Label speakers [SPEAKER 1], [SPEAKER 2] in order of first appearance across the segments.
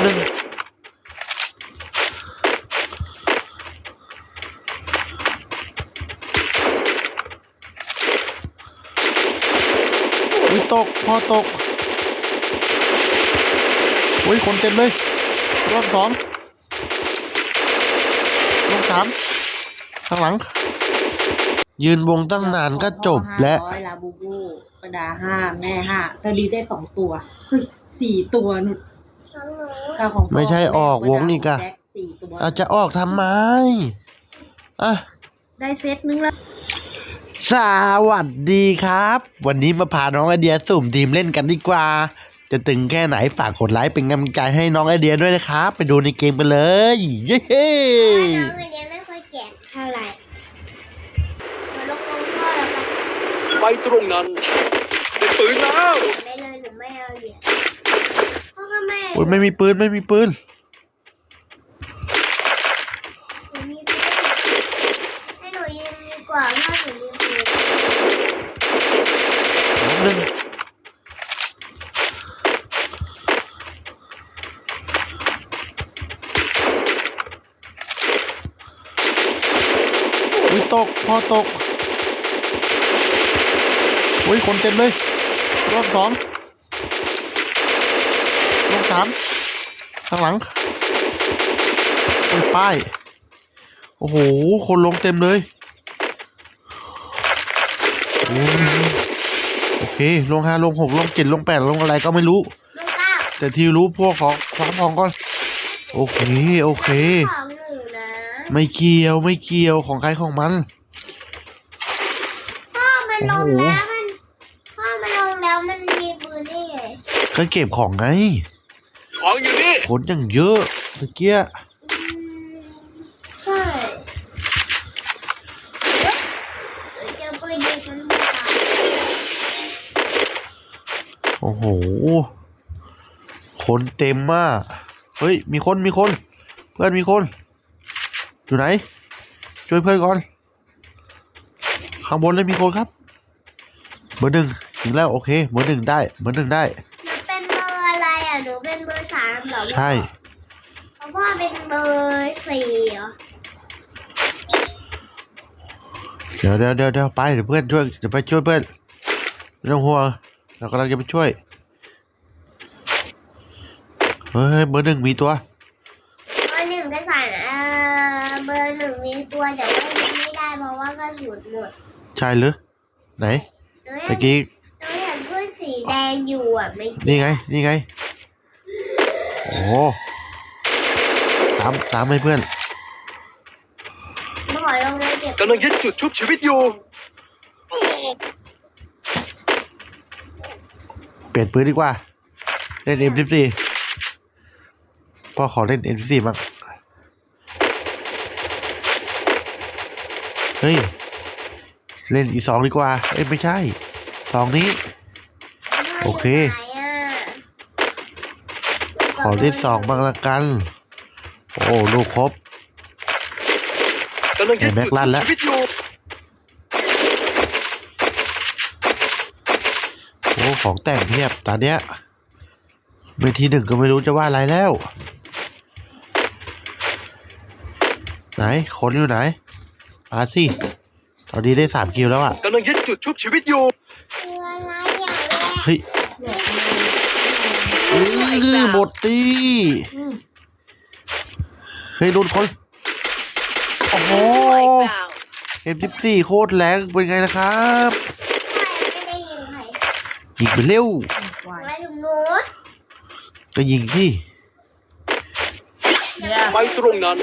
[SPEAKER 1] หนึ่งตกพอตกคนเต็มเลยรอบสองรอบสามข้างหลังยืนวงตั้งนานก็จบและ
[SPEAKER 2] ลาบูบูประดา5แม่5เธอดีได้2ตัวเฮ้ย4ตัวนุด
[SPEAKER 1] ไม่ใช่ออกวงอีกอะอาจจะออกทำไม
[SPEAKER 2] ได้เซตนึงแล้ว
[SPEAKER 1] สวัสดีครับวันนี้มาพาน้องไอเดียสุ่มทีมเล่นกันดีกว่าจะตึงแค่ไหนฝากกดไลค์เป็นกำลังใจให้น้องไอเดียด้วยนะครับไปดูในเกมกันเลยเย้
[SPEAKER 3] น้องไอเดียไม่ค่อยแจกเท่าไหร่มาลงพ่อแล้วกัน
[SPEAKER 4] ไปตรงนั้นเป็นปืนแล้ว
[SPEAKER 3] ไม่เลยหนูไม่เอาเหรียญพ่อก็
[SPEAKER 1] ไม่มีปืน
[SPEAKER 3] หนูมีปืนให้หนูยืนดีกว่าถ้าหนูมีปืน
[SPEAKER 1] หนึ่งตกพอตกคนเต็มเลยรอบสองรอบสามข้างหลังป้ายโอ้โหคนลงเต็มเลยโอเคลง5ลง6ลง7ลง8ลงอะไรก็ไม่รู้แต่ที่รู้พวกของคว้าทองก่อนโอเคไม่เกี่ยวของใครของมัน
[SPEAKER 3] พ่อมันลงแล้วมันมีปืนได้ไง
[SPEAKER 1] ก็เก็บของไง
[SPEAKER 4] ของอยู่นี่
[SPEAKER 1] คนอย่างเยอะตะเกีย
[SPEAKER 3] ใช่เจอปืนยิงฉันไม่ตาย
[SPEAKER 1] โอ้โหคนเต็มมากเฮ้ยมีคนเพื่อนมีคนอยู่ไหนช่วยเพื่อนก่อนข้างบนเลยมีคนครับเบอร์ 1ถึงแล้วโอเคเบอร์ 1ได้
[SPEAKER 3] หนูเป็นเบอร์อะไรหนูเป็นเบอร์3เหรอ
[SPEAKER 1] ใช่
[SPEAKER 3] พ่อเป็นเบอร์4เหรอ
[SPEAKER 1] เดี๋ยวไปเดี๋ยวเพื่อนช่วยเดี๋ยวไปช่วยเพื่อนไม่ต้องห่วงเรากำลังจะไปช่วยเฮ้ยเบอร์ 1มีตัว
[SPEAKER 3] เบอร์ 1ก็ใส่เบอร์ 1มีตัวแต่ว่ายิงไม่ได้เพราะว่ากระสุนหมด
[SPEAKER 1] ใช่หรือไหนตะกี้
[SPEAKER 3] เราเห็นเพื่อนสีแดงอยู่ไม่
[SPEAKER 1] นี่ไงโอ้ตามให้เพื่อน
[SPEAKER 3] มาขอลงเลยเก็บ
[SPEAKER 4] กำลังยึดจุดชุบชีวิตอยู่
[SPEAKER 1] เปลี่ยนปืนดีกว่าเล่น M14 พ่อขอเล่น M14 บ้างเฮ้ยเล่นE2ดีกว่าไม่ใช่2นี้โอเคขอเล่น2บ้างละกันโอ้ลูกครบแม็กลั่นแล้วโอ้ของแต่งเทียบตอนเนี้ยเวที1ก็ไม่รู้จะว่าอะไรแล้วไหนคนอยู่ไหนสิตอนนี้ได้3คิวแล้ว
[SPEAKER 4] กำลังยึดจุดชุบชีวิตอยู่
[SPEAKER 1] เฮ้ยหมดตีเฮ้ยโดนคนโอ้โหM14โคตรแรงเป็นไงนะครับยิงไปเร็วก็ยิงสิ
[SPEAKER 4] ไปตรงนั้น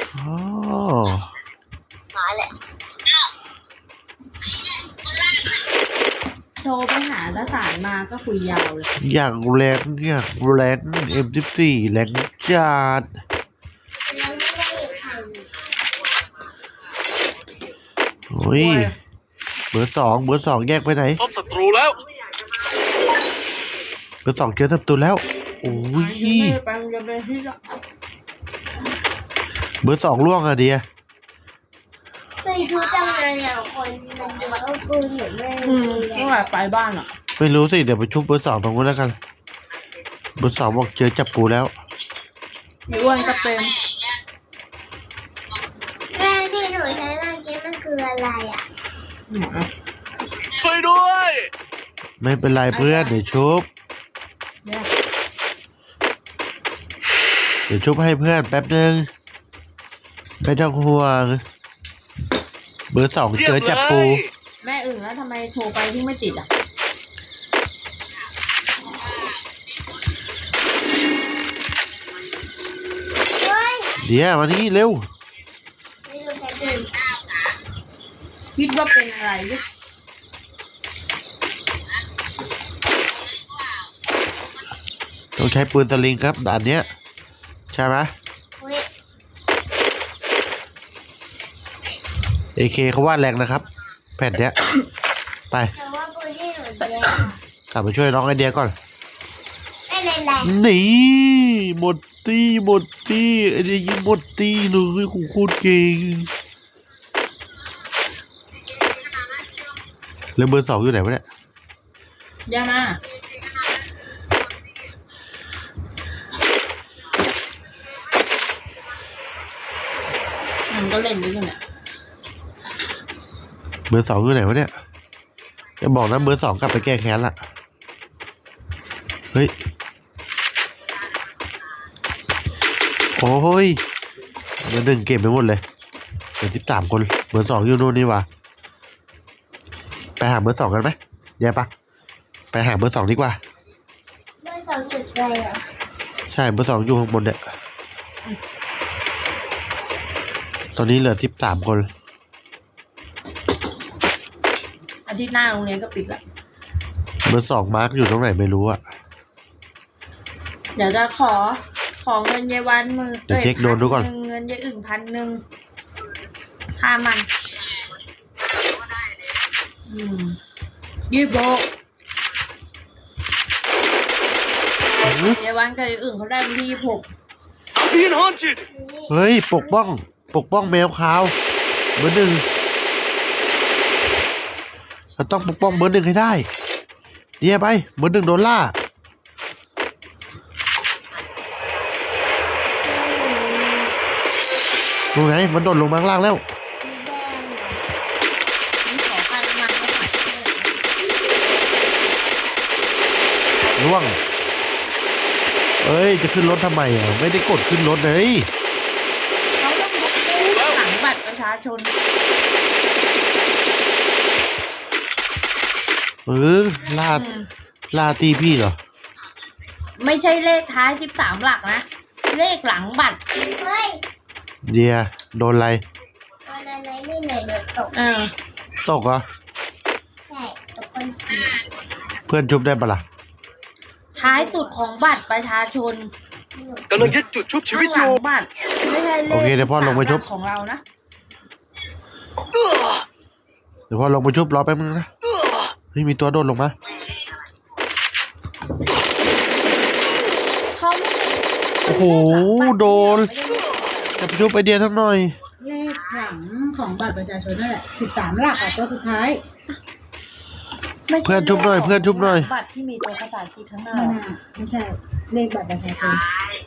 [SPEAKER 2] โทรไปหาทหารมาก็คุยยาวเลย
[SPEAKER 1] อย่างแรงM14แรงจัดโอ้ยเบอร์2แยกไปไหน
[SPEAKER 4] พบศัตรูแล้ว
[SPEAKER 1] เบอร์2เจอศัตรูแล้วโอ้ยเบอร์2ล่วงอะเดีย
[SPEAKER 3] ไม่รู้จังเลยคนมันเอาปืนหรือไม่
[SPEAKER 2] ว่าไปบ้าน
[SPEAKER 1] ไม่รู้สิเดี๋ยวไปชุบเบอร์2ตรงนู้นแล้วกันเบอร์2บอกเจอจับปูแล้ว
[SPEAKER 2] พี่อ้วนก็เป็น
[SPEAKER 3] แม่ที่หนูใช้เมื่อกี้มันคืออะไรอ่ะ
[SPEAKER 4] ช่วยด้วย
[SPEAKER 1] ไม่เป็นไรเพื่อนเดี๋ยวชุบ
[SPEAKER 2] เนี่ย
[SPEAKER 1] เดี๋ยวชุบให้เพื่อนแป๊บนึงไม่ต้องห่วงเบอร์สอง
[SPEAKER 4] เยี่ย
[SPEAKER 1] เจ
[SPEAKER 4] ม
[SPEAKER 1] อ
[SPEAKER 4] เล
[SPEAKER 1] จับปู
[SPEAKER 4] ย
[SPEAKER 2] แม่อึ่งแล้วทำไมโทรไปที่ไม่ติดอ่ะ
[SPEAKER 3] เฮ้ย
[SPEAKER 1] เดี๋ยวมานี่เร็ว
[SPEAKER 3] ไม่รู้ใช้ปืน
[SPEAKER 2] คิดว่าเป็นอะไรดิ
[SPEAKER 1] ต้องใช้ปืนสลิงครับด่านเนี้ยใช่ไหม
[SPEAKER 3] อุ้ย
[SPEAKER 1] AK เขาว่าแรงนะครับ แผ่นเนี้ย ไป
[SPEAKER 3] แต่ว่าปืนที่หนูเรียน
[SPEAKER 1] กลับไปช่วยน้องไอเดียก่อน
[SPEAKER 3] ไม่เป็นไร
[SPEAKER 1] นี่หมดตี้ไอเดียยิงหมดตี้เลยโหโคตรเก่งแล้วเบอร์สองอยู่ไหนวะเนี่ย
[SPEAKER 2] ย่ามามันก็เล่นด้วยกันเนี่ย
[SPEAKER 1] เบอร์สองอยู่ไหนวะเนี่ยจะบอกนะเบอร์สองกลับไปแก้แค้นละเฮ้ยโอ้ยเบอร์หนึ่งเก็บไปหมดเลยเหลือ13 คนเบอร์สองอยู่นู่นนี่วะไปหาเบอร์สองกันไหมเดี๋ยวปะไปหาเบอร์สองดีกว่า
[SPEAKER 3] เบอร์สองจุดอะไรอ่ะ
[SPEAKER 1] ใช่เบอร์สองอยู่ข้างบนเนี่ยตอนนี้เหลือ13 คน
[SPEAKER 2] อาทิตย์หน้าโรงเรียนก็ปิดละ
[SPEAKER 1] เบอร์สองมาร์กอยู่ตรงไหนไม่รู้อะ
[SPEAKER 2] เดี๋ยวจะขอเงินยายวันมือ
[SPEAKER 1] เดี๋ยวเช็คโดนดูก่อน
[SPEAKER 2] 1,000เงินยายอึ่ง1,000ค่ามันยี่โบกยายวันกับยายอึ่งเขาได้วันที่26
[SPEAKER 4] Being haunted
[SPEAKER 1] เฮ้ยปกป้องแมวขาวเบอร์หนึ่งเราต้องปกป้องเบอร์หนึ่งให้ได้เดี๋ยวไปเบอร์หนึ่งโดนล่าดูไงมันโดดลงมาข้างล่างแล้ว
[SPEAKER 2] นี่ขอค่าน้ำมันก็หายไปเลย
[SPEAKER 1] ล่วงเอ้ยจะขึ้นรถทำไมอ่ะไม่ได้กดขึ้นรถเลย
[SPEAKER 2] เขาต้องยกเลิกหลังบัตรประชาชน
[SPEAKER 1] ล่าตีพี่เหรอ
[SPEAKER 2] ไม่ใช่เลขท้าย13หลักนะ เลขหลังบัตร
[SPEAKER 3] เฮ้ย
[SPEAKER 1] เดียโดนอะไร
[SPEAKER 3] ตอนอะไรนี่ไหนโดนตก
[SPEAKER 1] ตกเหรอ
[SPEAKER 3] ใช่ตกคนขี่
[SPEAKER 1] เพื่อนชุบได้ปะล่ะ
[SPEAKER 2] ท้ายสุดของบัตรประชาชน
[SPEAKER 4] กำลังยึดจุดชุบชีวิตอ
[SPEAKER 2] ข้างหลั
[SPEAKER 4] ยู่
[SPEAKER 2] งบัตรไม่ใช่เลข
[SPEAKER 1] โอเคเดี๋ยวพ่อลงไปชุบ
[SPEAKER 2] 13ของเรานะ
[SPEAKER 1] เดี๋ยวพอลงไปชุบรอแป๊บนึงนะเฮ้ยมีตัวโดดลงมา
[SPEAKER 2] เขาไม่
[SPEAKER 1] โอ้โหโดนจะไปชุบไอเดียทั้งหน่อย
[SPEAKER 2] เลขหลังของบัตรประชาชนนั่นแหละ13หลักอ่ะตัวสุดท้ายไม่ใช่
[SPEAKER 1] เพื่อนชุบหน่อยเพื่อนชุบหน่อย
[SPEAKER 2] บัตรที่มีตัวภาษาอังกฤษข้างหน้า
[SPEAKER 5] ไม่ใช่เลขบัตรประชาชน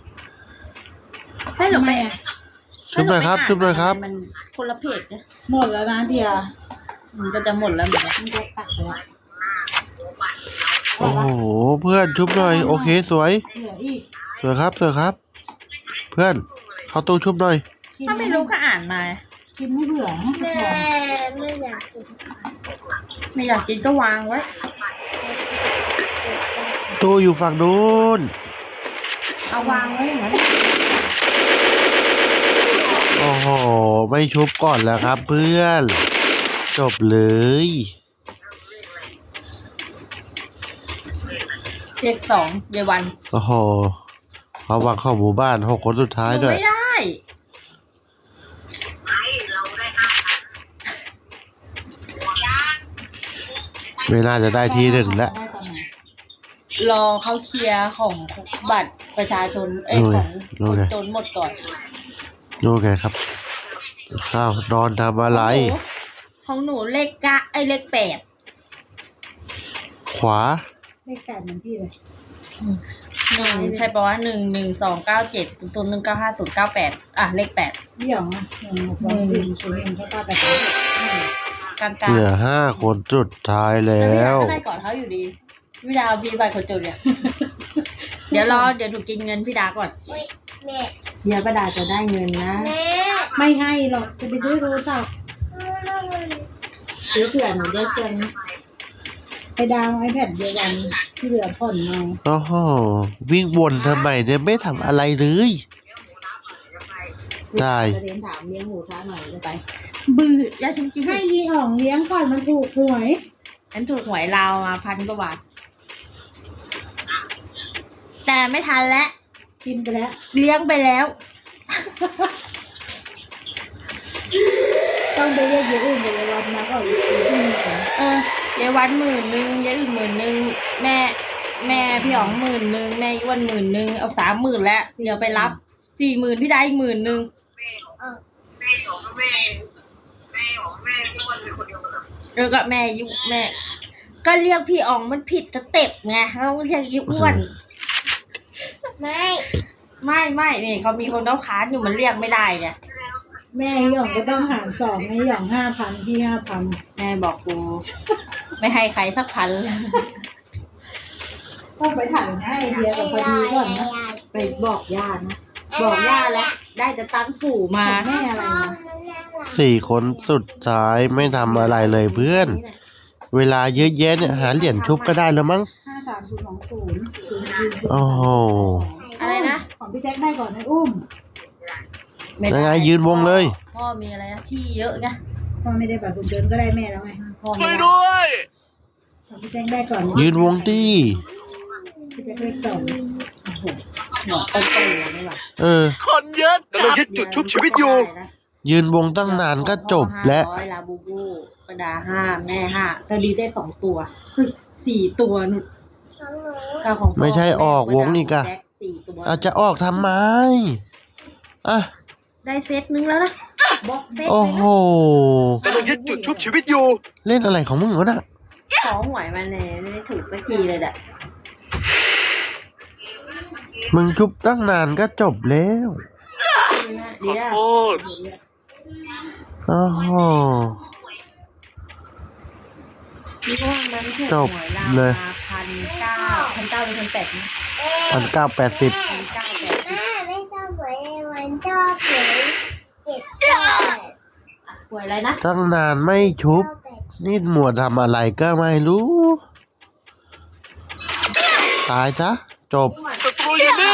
[SPEAKER 2] ให้หนูไป
[SPEAKER 1] ชุบหน่อยครับชุบหน่อยครับ
[SPEAKER 2] มันคนละเพจนะ
[SPEAKER 5] หมดแล้วนะเดีย
[SPEAKER 2] มันก็จะหมดแล้วเหมือนกัน
[SPEAKER 5] มันจะตักไปละ
[SPEAKER 1] โอ้โหเพื่อนชุบหน่อยโอเคสวย
[SPEAKER 5] เหลืออีก
[SPEAKER 1] สวยครับสวยครับ เพื่อนเข้าตู้ชุบหน่อย
[SPEAKER 5] กิน
[SPEAKER 2] ถ้าไม่รู้ก็อ่านมา
[SPEAKER 5] กินไม่เบื่อนะ
[SPEAKER 3] แม่ไม่อยากกิน
[SPEAKER 2] ไม่อยากกินก็วางไว้
[SPEAKER 1] ตู้อยู่ฝั่งนู้น
[SPEAKER 2] เอาวางไว้อย่างนั้น
[SPEAKER 1] โอ้โหไม่ชุบก่อนแล้วครับ เพื่อนจบเลย
[SPEAKER 2] เลข2เยายวัน
[SPEAKER 1] โอ้โหเขาวางเข้าหมู่บ้าน6 คนสุดท้ายด้วย
[SPEAKER 2] ไม่ได้
[SPEAKER 1] ไม่น่าจะได้ที่หนึ่งแล้ว
[SPEAKER 5] ได้ตอนไหน
[SPEAKER 2] รอเขาเคลียร์ของบัตรประชาชนของคนจนหมดก่อน
[SPEAKER 1] ดูไงครับข้าวนอนทำอะไร
[SPEAKER 2] ของหนูเลขเลข8
[SPEAKER 1] ขวา
[SPEAKER 5] เลข8เหมือนพี่เลย
[SPEAKER 6] 1ใช่ปะวะ1129700195098เลข8
[SPEAKER 5] พี่หยองอ่ะ1 2 4 0 1 9 8
[SPEAKER 6] กลาง
[SPEAKER 1] เหลือ5 คนสุดท้ายแล้
[SPEAKER 6] แล้ว
[SPEAKER 1] ว
[SPEAKER 6] พี่ดาก็ได้ก่อนเขาอยู่ดีพี่ดาพี่ใบคนจนเนี่ย เดี๋ยวถูกกินเงินพี่ดาก่อน
[SPEAKER 3] แม่
[SPEAKER 6] เดี๋ยวป้าดาจะได้เงินนะ
[SPEAKER 3] แม่
[SPEAKER 5] ไม่ให้หรอกจะไปซื้อโทรศัพท์
[SPEAKER 6] ซื้อเผื่อหนูได้เพื่อนนะ
[SPEAKER 5] ไปดาวไอแพดเดียวกันที่เหลือผ่อนเอา
[SPEAKER 1] โอ้โห วิ่งวนทำไมเนี่ยไม่ทำอะไรเลย ได้
[SPEAKER 6] จะเรียนถามเลี้ยงหมูท้าหน่อยจะไปบื้ออย่าจริงๆ
[SPEAKER 5] ให้ยีอ่องเลี้ยงก่อนมันถูกหวย
[SPEAKER 6] ฉันถูกหวยลาวมา1,000 กว่าบาทแต่ไม่ทันแล้ว
[SPEAKER 5] กินไปแล้ว
[SPEAKER 6] เลี้ยงไปแล้ว
[SPEAKER 5] ต้องไปเรียกเยอะอื่นไปเลยวันมาก็อีกทีนึง
[SPEAKER 6] ยายวัน10,000ยายอื่น10,000แม่พี่อ๋อง10,000แม่ย้วน10,000เอา30,000แล้วเดี๋ยวไปรับ40,000พี่ได้อีก10,000ก็แม่ยุแม่ ก็เรียกพี่อ๋องมันผิดสเต็ปไงต้องเรียกอีอ้วน
[SPEAKER 3] ไม่
[SPEAKER 6] ไม่นี่เขามีคนต้องค้านอยู่มันเรียกไม่ได้ไง
[SPEAKER 5] แม่หยองก็ต้องหาร2ให้หยอง5,000ที่5,000
[SPEAKER 6] แม่บอกกู ไม่ให้ใครสักพันเลย
[SPEAKER 5] ต้องไปถ่ายนะไอเดียกับพอดีก่อนนะ
[SPEAKER 6] ไปบอกย่านะบอกย่าแล้วได้จะตั้งปู่มา
[SPEAKER 5] แม่อะไรนะ
[SPEAKER 1] 4 คนสุดท้ายไม่ทำอะไรเลยเพื่อน เวลาเยอะแยะเนี่ยหาเหรียญชุบก็ได้แล้วมั้ง
[SPEAKER 5] 53020
[SPEAKER 1] โอ้โห
[SPEAKER 6] อะไรนะ
[SPEAKER 5] ของพี่แจ็คได้ก่อนนะอุ้ม
[SPEAKER 1] ยังไงยืนวงเลย
[SPEAKER 6] พ่อมีอะไรนะที่เยอะไง
[SPEAKER 5] พ่อไม่ได้แบบคุณเดินก็ได้แม่แล้วไง
[SPEAKER 6] พ่อ
[SPEAKER 4] ช่
[SPEAKER 6] ไม่
[SPEAKER 4] วย
[SPEAKER 6] ได้
[SPEAKER 4] ด้วย
[SPEAKER 5] ของพี่แจ็คได้ก่อน
[SPEAKER 1] ยืนวงตี้
[SPEAKER 5] พี่แจ็คเลข2
[SPEAKER 6] หัวต้นๆเลยไม่หรอ
[SPEAKER 4] คนเยอะกำลังยึดจุดชุบชีวิตอยู่
[SPEAKER 1] ยืนวงตั้งนานก็จบแล้ว
[SPEAKER 6] 500ลาบูบูประดา5แม่5ตอนนี้ได้2ตัวเฮ้ย4ตัวนุด
[SPEAKER 3] ของหนู
[SPEAKER 6] ก็ของพ่อ
[SPEAKER 1] ไม่ใช่ออกวงนี่กะ
[SPEAKER 6] แจ็ค4ตัว
[SPEAKER 1] อาจจะออกทำไม อ่ะ
[SPEAKER 6] ได้เซตนึงแล้วนะบล็อกเซต
[SPEAKER 1] โอ้
[SPEAKER 6] เลย
[SPEAKER 1] โห
[SPEAKER 6] นะ
[SPEAKER 4] กำลังยึดจุดชุบชีวิตอยู่
[SPEAKER 1] เล่นอะไรของมึงวะน่ะ
[SPEAKER 6] ขอหวยมาเนี่ยไม่ได้ถูกสักทีเลยแหละ
[SPEAKER 1] มึงชุบตั้งนานก็จบแล้ว
[SPEAKER 4] ขอโทษ
[SPEAKER 1] โอ้โห
[SPEAKER 6] นี่ว่ามันถูก
[SPEAKER 1] จบ
[SPEAKER 6] หวยลาว
[SPEAKER 1] เลย
[SPEAKER 6] มา1,900เป็น1,800นะ
[SPEAKER 1] 1,980
[SPEAKER 6] 1,980
[SPEAKER 3] แม่ไม่ชอบหวยวันชอบหวย7
[SPEAKER 6] หวยอะไรนะ
[SPEAKER 1] ตั้งนานไม่ชุบ นี่หมวดทำอะไรก็ไม่รู้ ตายซะจบ
[SPEAKER 4] ศัตรูอยู่นี่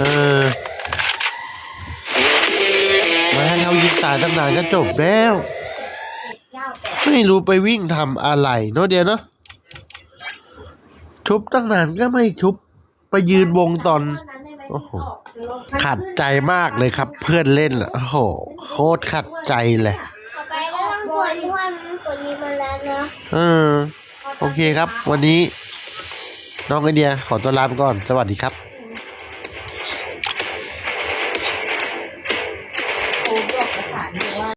[SPEAKER 1] ไม่ให้เขายิงตายตั้งนานก็จบแล้ว ไม่รู้ไปวิ่งทำอะไรเนาะเดียวเนาะชุบตั้งนานก็ไม่ชุบ ไปยืนวงตอน โอ้โห ขัดใจมากเลยครับ เพื่อนเล่นโอ้โห โคตรขัดใจเลย
[SPEAKER 3] ต่อไปก็ต้องกดอ้วนกดนี้มาแล้วนะ
[SPEAKER 1] โอเคครับ วันนี้ น้องไอเดียขอตัวลาไปก่อน สวัสดีครับ